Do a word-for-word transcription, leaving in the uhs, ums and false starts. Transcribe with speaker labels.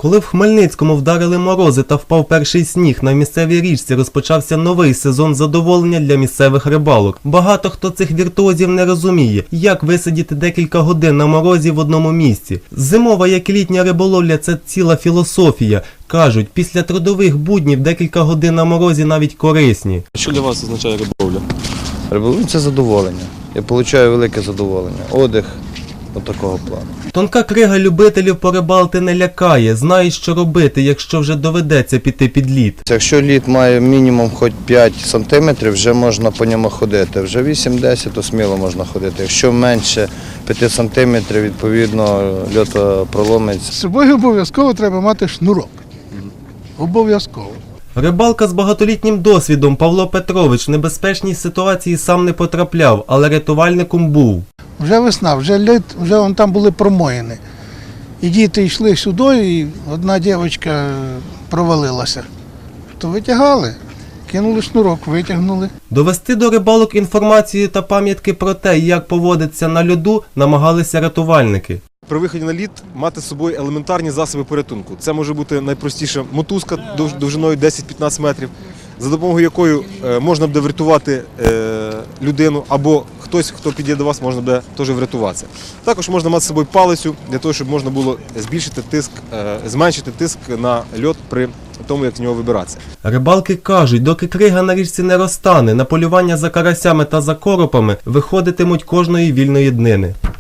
Speaker 1: Коли в Хмельницькому вдарили морози та впав перший сніг, на місцевій річці розпочався новий сезон задоволення для місцевих рибалок. Багато хто цих віртуозів не розуміє, як висидіти декілька годин на морозі в одному місці. Зимова, як і літня риболовля – це ціла філософія. Кажуть, після трудових буднів декілька годин на морозі навіть корисні.
Speaker 2: Що для вас означає риболовля?
Speaker 3: Риболовля – це задоволення. Я отримую велике задоволення. Отдих от такого плану.
Speaker 1: Тонка крига любителів порибалити не лякає, знають, що робити, якщо вже доведеться піти під лід.
Speaker 3: Якщо лід має мінімум хоч п'ять сантиметрів, вже можна по ньому ходити. Вже вісім-десять, то сміло можна ходити. Якщо менше п'яти сантиметрів, відповідно, льот проломиться.
Speaker 4: З собою обов'язково треба мати шнурок. Обов'язково.
Speaker 1: Рибалка з багатолітнім досвідом Павло Петрович в небезпечній ситуації сам не потрапляв, але рятувальником був.
Speaker 4: Вже весна, вже лід, вже вон там були промоїни. І діти йшли сюди, і одна дівчинка провалилася. То витягали, кинули шнурок, витягнули.
Speaker 1: Довести до рибалок інформацію та пам'ятки про те, як поводиться на льоду, намагалися рятувальники.
Speaker 2: При виході на лід мати з собою елементарні засоби порятунку. Це може бути найпростіша мотузка довжиною десять-п'ятнадцять метрів, за допомогою якої можна буде врятувати людину, або хтось, хто підійде до вас, можна буде теж врятуватися. Також можна мати з собою палицю, для того, щоб можна було збільшити тиск, зменшити тиск на льод при тому, як з нього вибиратися.
Speaker 1: Рибалки кажуть, доки крига на річці не розтане, на полювання за карасями та за коропами виходитимуть кожної вільної днини.